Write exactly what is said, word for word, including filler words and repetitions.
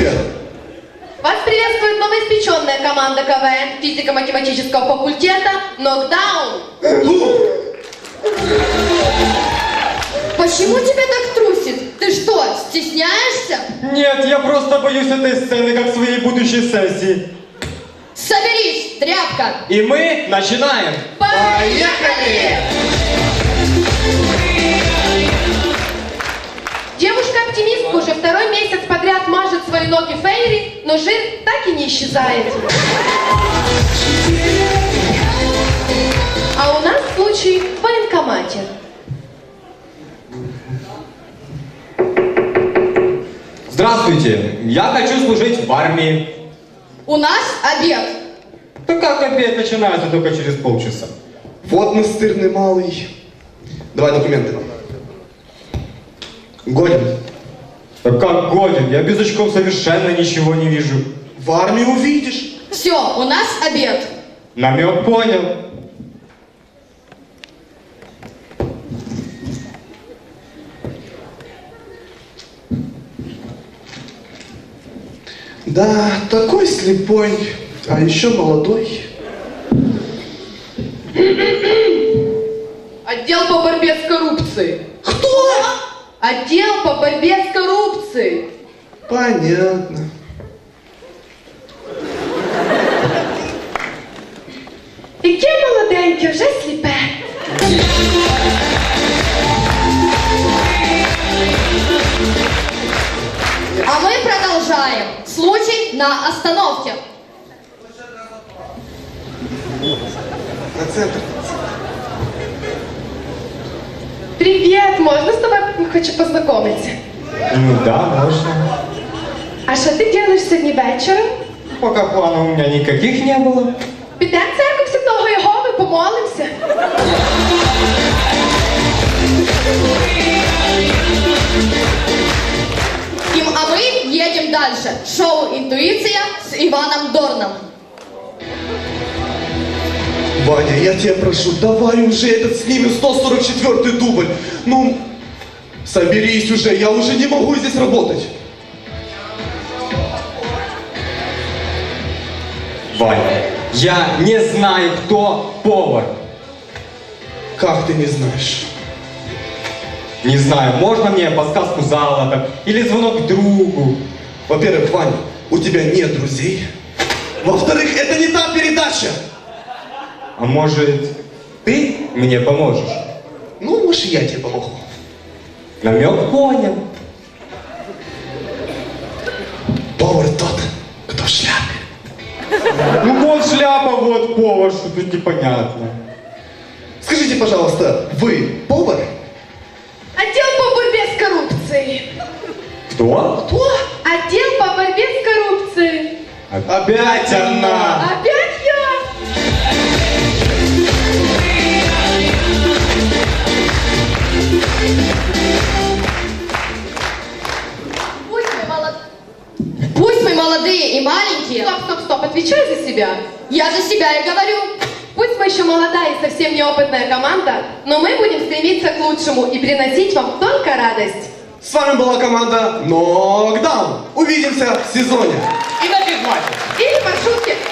Привет. Вас приветствует новоиспеченная команда КВН физико-математического факультета «Нокдаун». Почему тебя так трусит? Ты что, стесняешься? Нет, я просто боюсь этой сцены, как своей будущей сессии. Соберись, тряпка! И мы начинаем! Поехали! Девушка-оптимистка уже второй месяц подряд мажет свои ноги фейри, но жир так и не исчезает. А у нас случай в военкомате. Здравствуйте, я хочу служить в армии. У нас обед. Да как обед начинается только через полчаса? Вот настырный малый. Давай документы. Годен. Да как годен? Я без очков совершенно ничего не вижу. В армии увидишь. Все, у нас обед. Намек понял. Да, такой слепой, а еще молодой. Отдел по борьбе с коррупцией. Кто? Отдел по борьбе с коррупцией. Понятно. Яке молоденьке, вже сліпе. А мы продолжаем. Случай на остановке. На центр. Привет, можно с тобой хочу познакомиться? Ну да, можно. А что ты делаешь сегодня вечером? Пока планов у меня никаких не было. Підемо в церкву Святого Єгови, помолимся. Им, а мы едем дальше. Шоу «Интуиция» с Иваном Дорном. Ваня, я тебя прошу, давай уже этот снимем сто сорок четвёртый дубль. Ну, соберись уже, я уже не могу здесь работать. Ваня, я не знаю, кто повар. Как ты не знаешь? Не знаю, можно мне подсказку зала или звонок другу? Во-первых, Ваня, у тебя нет друзей. Во-вторых, это не та передача. А может, ты мне поможешь? Ну, может, я тебе помогу. Намек понял. Повар тот, кто в шляпе. Ну вот шляпа, вот повар, что тут непонятно. Скажите, пожалуйста, вы повар? Отдел по борьбе с коррупцией. Кто? Кто? Отдел по борьбе с коррупцией. Опять она! Опять я? Пусть мы, молод... Пусть мы молодые и маленькие. Стоп, стоп, стоп, отвечай за себя. Я за себя и говорю. Пусть мы еще молодая и совсем неопытная команда, но мы будем стремиться к лучшему и приносить вам только радость. С вами была команда Нокдаун. Увидимся в сезоне. И на физмате. Или маршрутки.